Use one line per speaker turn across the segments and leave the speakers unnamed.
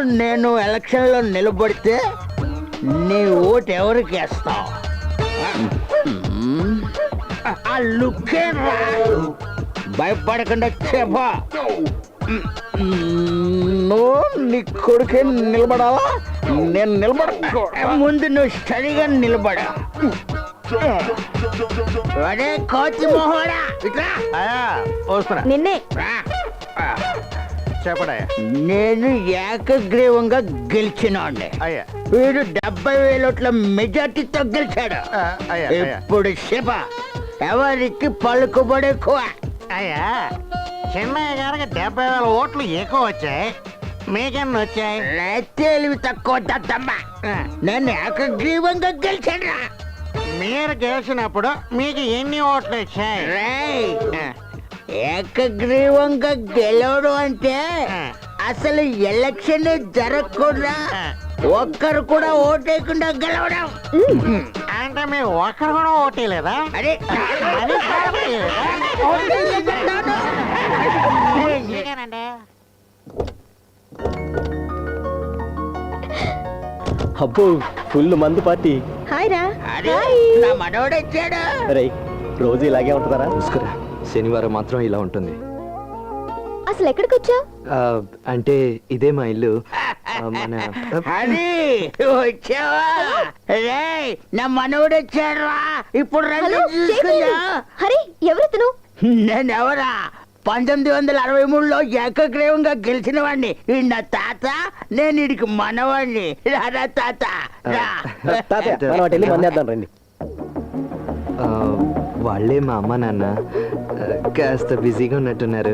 నేను ఎలక్షన్లో నిలబడితే నీ ఓటు ఎవరికి వేస్తావు? ఆ లుక్కే రా, భయపడకుండా చెప్పా. నువ్వు నీ కొడుకే నిలబడాలా? నేను నిలబడ ముందు నువ్వు స్టడీగా నిలబడా. అదే కోతి మొహోడా, ఇట్లా వస్తున్నా.
నిన్నే
చెప్పడా? నేను ఏకగ్రీవంగా గెలిచినోండి. అయ్యా, వీడు 70,000 ఓట్ల మెజార్టీతో గెలిచాడు. ఇప్పుడు శివ ఎవరికి పలుకుబడి ఎక్కువ?
అయ్యా, చిన్నయ్య గారికి 70,000 ఓట్లు ఎక్కువ వచ్చాయి, మీకెన్ని వచ్చాయి?
తెలివి తక్కువ దద్దమ్మ. నేను ఏకగ్రీవంగా గెలిచాడు.
మీరు గెలిచినప్పుడు మీకు ఎన్ని ఓట్లు వచ్చాయి?
ఏకగ్రీవంగా గెలవడం అంటే అసలు ఎలక్షన్ జరగకుండా ఒక్కరు కూడా ఓటేయకుండా గెలవడం.
అంటే మీరు ఒక్కరు కూడా ఓటేయలేదా?
అరే
అబ్బో, ఫుల్ మందు పార్టీ.
హాయ్ రా.
నా మనోడు వచ్చాడు.
రేయ్, రోజు ఇలాగే ఉంటుందారా?
నమస్కారం. శనివారం మాత్రం ఇలా ఉంటుంది.
అసలు ఎక్కడికి వచ్చావు?
అంటే ఇదే మా ఇల్లు. మన
హరి వచ్చావా? రేయ్, నా మనోడు వచ్చాడు రా. ఇప్పుడు రండి చూసుకుందా.
హరి, ఎవరితను?
నేనెవరా? 1963లో ఏకగ్రీవంగా గెలిచిన వాడిని. ఈ నా తాత, నేను ఇడికి మనవాడిని. రారా తాత రా.
తాతయ్య, మనం అటు వెళ్ళి మందేద్దాం రండి.
వాళ్ళే మా అమ్మ నాన్న. కాస్త బిజీగా ఉన్నట్టున్నారు.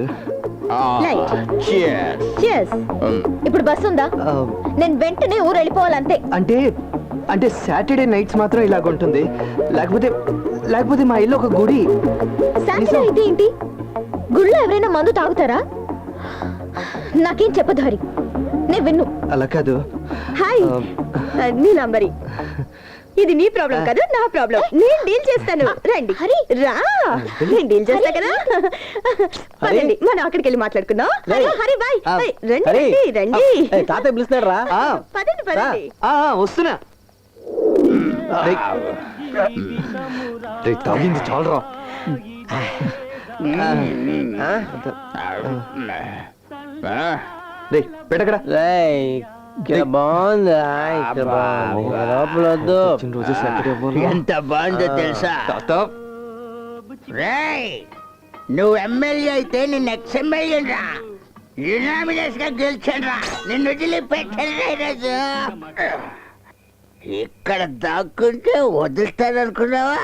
ఇప్పుడు బస్ ఉందా? నేను వెంటనే ఊరు వెళ్ళిపోవాలంతే.
అంటే అంటే సాటర్డే నైట్స్ మాత్రం ఇలాగుంటుంది. లేకపోతే లేకపోతే మా ఇల్లు ఒక గుడి.
సాటర్డే అయితే ఏంటి? గుళ్ళో ఎవరైనా మందు తాగుతారా? నాకేం చెప్పదు హరి, నేను విన్ను.
అలా కాదు.
హాయ్, నీ నంబరి. ఇది నీ ప్రాబ్లం కాదు, నా ప్రాబ్లం. నేను డీల్ చేస్తాను. రండి హరి, రా. నేను డీల్ చేస్తా కదా. పదండి, మనం అక్కడికి వెళ్ళి మాట్లాడుకుందాం. హరి బాయ్. రండి రండి.
తాతయ్య పిలుస్తున్నాడు రా.
పదండి పదండి.
వస్తున్నా. తాగింది చాలరా. పెట్టకడా.
ఎంత బాగుందో తెలుసా? రేయ్, నువ్వు ఎమ్మెల్యే అయితే నిన్ను ఎక్స్ఎమ్మెల్యే రా. యునామినస్ గా గెలిచాను రా. నిన్ను వదిలిపెట్టాను ఈరోజు. ఇక్కడ దాక్కుంటే వదులుతాననుకున్నావా?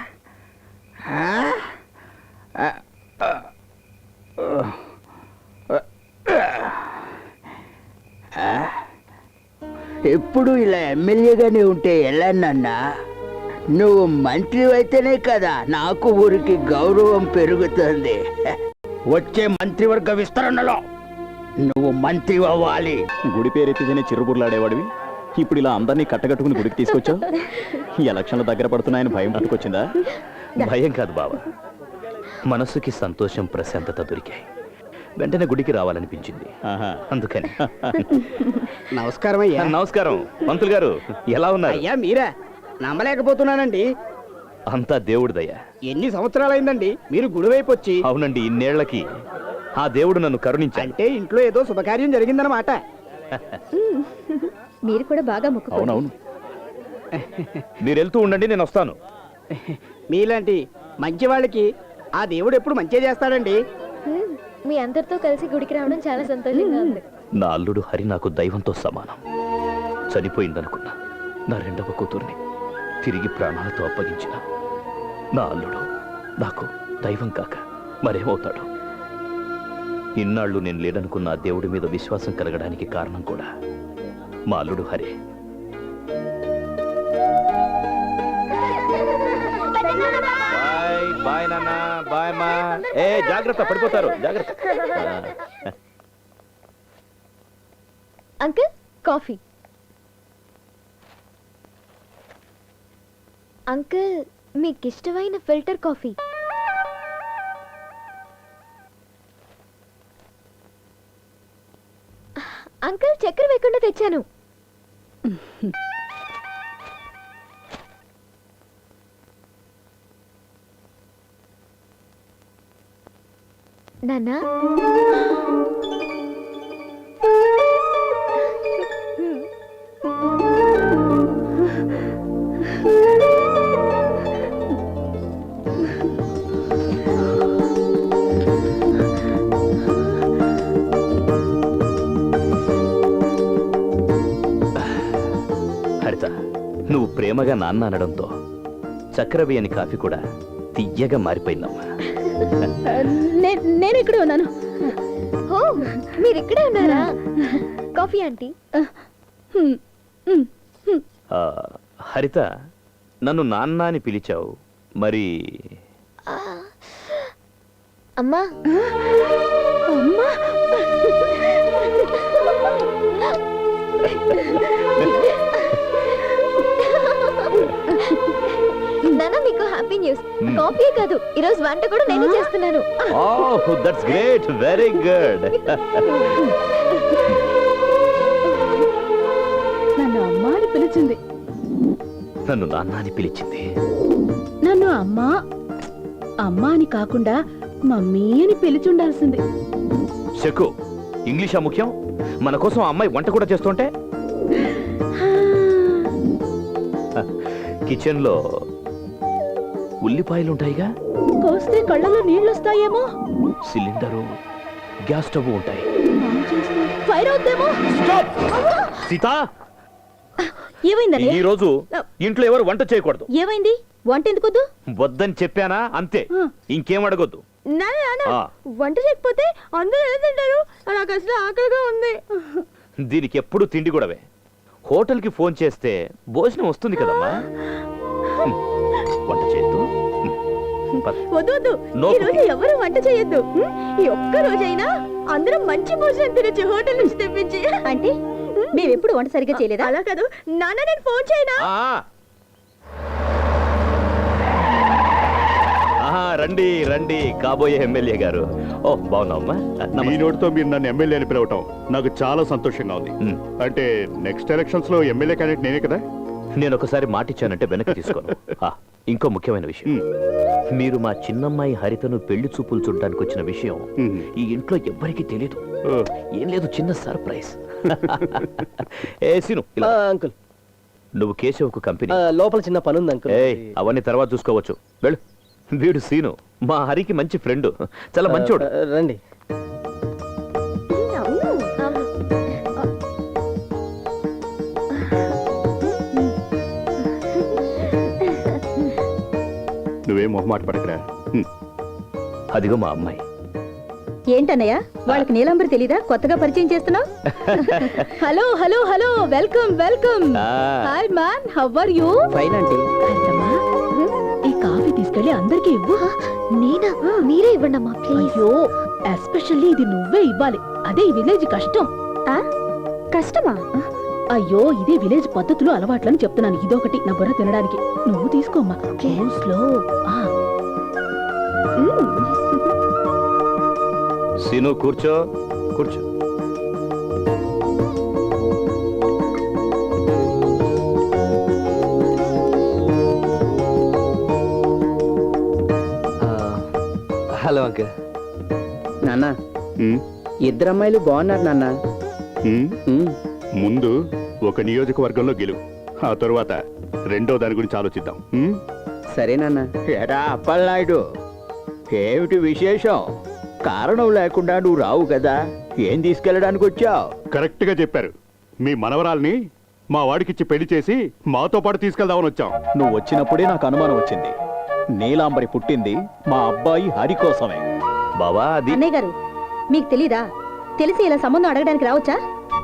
ఎప్పుడు ఇలా ఎమ్మెల్యేగానే ఉంటే ఎలా నాన్న? నువ్వు మంత్రి అయితేనే కదా నాకు ఊరికి గౌరవం పెరుగుతుంది. వచ్చే మంత్రివర్గ విస్తరణలో నువ్వు మంత్రి అవ్వాలి.
గుడి పేరెత్తితేనే చిరుబుర్లాడేవాడివి, ఇప్పుడు ఇలా అందరినీ కట్టగట్టుకుని గుడికి తీసుకొచ్చావు. ఎలక్షన్లు దగ్గర పడుతున్నాయని భయం పట్టుకొచ్చిందా?
భయం కాదు బావా, మనసుకి సంతోషం ప్రశాంతత దొరికాయి. వెంటనే గుడికి రావాలనిపించింది, అందుకని.
నమస్కారం అయ్యా.
నమస్కారం మంత్రులు గారు, ఎలా ఉన్నారు?
అయ్యా మీరా? నమ్మలేకపోతున్నానండి.
అంతా దేవుడిదయ్యా.
ఎన్ని సంవత్సరాలైందండి మీరు గుడి వైపు వచ్చి?
అవునండి, ఇన్నేళ్లకి ఆ దేవుడు నన్ను కరుణించాడు.
అంటే ఇంట్లో ఏదో శుభకార్యం జరిగిందన్నమాట.
మీరు కూడా బాగా మొక్కుకోండి.
అవునవును, మీరు వెళ్తూ ఉండండి, నేను వస్తాను.
మీలాంటి మంచి వాళ్ళకి ఆ దేవుడు ఎప్పుడు మంచి చేస్తాడండి.
మీ అందరితో కలిసి గుడికి రావడం చాలా సంతోషంగా ఉంది.
నా అల్లుడు హరి నాకు దైవంతో సమానం. చనిపోయిందనుకున్నా నా రెండవ కూతుర్ని తిరిగి ప్రాణాలతో అప్పగించిన నా అల్లుడు నాకు దైవం కాక మరేమవుతాడు? ఇన్నాళ్ళు నేను లేదనుకున్న ఆ దేవుడి మీద విశ్వాసం కలగడానికి కారణం కూడా మా అల్లుడు హరే. బాయ్ బాయ్ నాన్న, బాయ్ మా. ఏ జాగ్రత్త, పడిపోతారు, జాగ్రత్త.
Uncle, coffee. అంకుల్, మీకు ఇష్టమైన ఫిల్టర్ కాఫీ. అంకుల్ చక్కెర వేయకుండా తెచ్చాను. నాన్నా
హరిత, నువ్వు ప్రేమగా నాన్న అనడంతో చక్కెర వేయని కాఫీ కూడా తియ్యగా మారిపోయిందమ్మా.
నేను ఇక్కడే ఉన్నాను. ఓ, మీరు ఇక్కడే ఉన్నారా? Coffee aunty.
ఆ, హరిత, నన్ను నాన్న అని పిలిచావు, మరి
అమ్మా అమ్మా నాన్న, మీకు హ్యాపీ న్యూస్. కాఫీ కాదు, ఈరోజు వంట కూడా నేనే చేస్తున్నాను.
Oh, that's great, very good.
నన్ను అమ్మ అని పిలిచింది.
నన్ను నాన్న అని పిలిచింది.
నన్ను అమ్మా అని కాకుండా మమ్మీ అని పిలిచి ఉండాల్సింది.
శకు, ఇంగ్లీషా ముఖ్యం? మన కోసం ఆ అమ్మాయి వంట కూడా చేస్తుంటే కిచెన్ లో ఉల్లిపాయలు ఉంటాయిగా,
కోస్తే కళ్ళలో నీళ్ళు వస్తాయేమో,
సిలిండరు, గ్యాస్ స్టవ్ ఉంటాయి.
ఫైర్ అవుద్దేమో.
సీత,
ఏమైందని?
ఈ రోజు ఇంట్లో ఎవరు వంట చేయకూడదు.
ఏమైంది? వంట ఎందుకొద్దు?
వద్దని చెప్పానా, అంతే. ఇంకేం అడగొద్దు. ఆ.
వంట చేయకపోతే అందరూ ఎలా తింటారు? నాకు అసలు ఆకలిగా ఉంది.
దీనికి ఎప్పుడు తిండి కూడావే. హోటల్కి ఫోన్ చేస్తే భోజనం వస్తుంది కదమ్మా. వంట చేయొద్దు.
వద్దు, ఈ రోజు ఎవరు వంట చేయొద్దు. ఈ ఒక్క రోజైనా అందరం మంచి భోజనం తినొచ్చు హోటల్ నుంచి తెప్పించి. అంటే మేమెప్పుడు వంట సరిగ్గా చేయలేదా? అలా కాదు నాన్న, నేను ఫోన్ చేయనా?
రండి రండి, కాబోయే ఎమ్మెల్యే గారు. ఓ, బాగున్నావమ్మా?
మీ నోటితో మీరు నన్ను ఎమ్మెల్యే అని పిలవటం నాకు చాలా సంతోషంగా ఉంది. అంటే నెక్స్ట్ ఎలక్షన్స్ లో ఎమ్మెల్యే క్యాండిడేట్ నేనే కదా?
నేను ఒకసారి మాటిచ్చానంటే వెనక్కి తీసుకోను. ఇంకో ముఖ్యమైన విషయం, మీరు మా చిన్నమ్మాయి హరితను పెళ్లి చూపులు చూడడానికి వచ్చిన విషయం ఈ ఇంట్లో ఎవ్వరికీ తెలియదు. ఏం లేదు, చిన్న సర్ప్రైజ్. ఏ సీను,
అంకుల్,
నువ్వు కేశవకు కంపెనీ
లోపల చిన్న పని ఉంది అంకుల్.
అవన్నీ తర్వాత చూసుకోవచ్చు, వెళ్ళు. వీడు సీను మా హరికి మంచి ఫ్రెండ్, చాలా మంచోడు.
రండి.
నువ్వేం మొహమాట పడకరా.
అదిగో మా అమ్మాయి.
ఏంటన్నయ్య, వాళ్ళకి నీలంబరి తెలీదా? కొత్తగా పరిచయం చేస్తున్నావు. Hello hello hello, welcome welcome. Hi man, how are you?
Fine aunty.
ఈ కాఫీ తీసుకెళ్ళి అందరికీ ఇవ్వు.
నేనా? మీరే ఇవ్వండి అమ్మా ప్లీజ్.
అయ్యో, ఎస్పెషల్లీ ఇది నువ్వే ఇవ్వాలి. అదే ఈ విలేజ్ కష్టం.
కష్టమా?
అయ్యో, ఇదే విలేజ్ పద్ధతులు అలవాట్లని చెప్తున్నాను. ఇదొకటి నా బుర్ర తినడానికి. నువ్వు తీసుకోమ్మా. స్లో.
సీను, కూర్చో కూర్చో.
Hello uncle.
నాన్న,
ఇద్దరు అమ్మాయిలు బాగున్నారు నాన్న.
ముందు ఒక నియోజకవర్గంలో గెలువు, ఆ తరువాత రెండో దాని గురించి ఆలోచిద్దాం.
సరే నాన్న.
ఎరా అప్పలనాయుడు, ఏమిటి విశేషం? కారణం లేకుండా నువ్వు రావు కదా, ఏం తీసుకెళ్ళడానికి వచ్చావు?
కరెక్ట్ గా చెప్పారు. మీ మనవరాల్ని మా వాడికిచ్చి పెళ్లి చేసి మాతో పాటు తీసుకెళ్దామని వచ్చాం.
నువ్వు వచ్చినప్పుడే నాకు అనుమానం వచ్చింది. నీలాంబరి పుట్టింది మా అబ్బాయి హరి కోసమే.
బావా, అది
అన్నయ్య గారు, మీకు తెలీదా? తెలిసి ఇలా సంబంధం అడగడానికి రావచ్చా?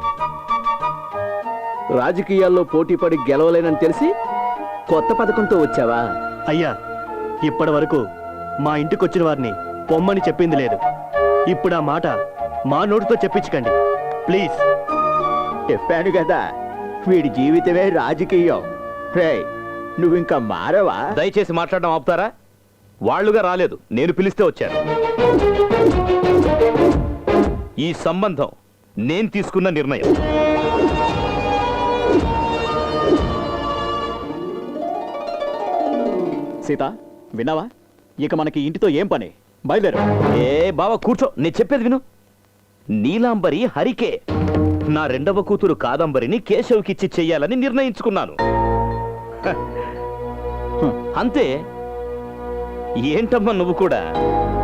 రాజకీయాల్లో పోటీ పడి గెలవలేనని తెలిసి కొత్త పథకంతో వచ్చావా?
అయ్యా, ఇప్పటి వరకు మా ఇంటికొచ్చిన వారిని పొమ్మని చెప్పింది లేదు. ఇప్పుడు ఆ మాట మా నోటితో చెప్పించకండి ప్లీజ్.
చెప్పాను కదా, వీడి జీవితమే రాజకీయం. రేయ్, నువ్వింకా మారవా?
దయచేసి మాట్లాడడం ఆపుతారా? వాళ్ళుగా రాలేదు, నేను పిలిస్తే వచ్చాను. ఈ సంబంధం నేను తీసుకున్న నిర్ణయం.
సీత విన్నావా? ఇక మనకి ఇంటితో ఏం పని? బయలుదేరు.
ఏ బావ కూర్చో, నేను చెప్పేది విను. నీలాంబరి హరికే, నా రెండవ కూతురు కాదంబరిని కేశవ్కిచ్చి చెయ్యాలని నిర్ణయించుకున్నాను. హ. అంతే. ఏంటమ్మా నువ్వు కూడా?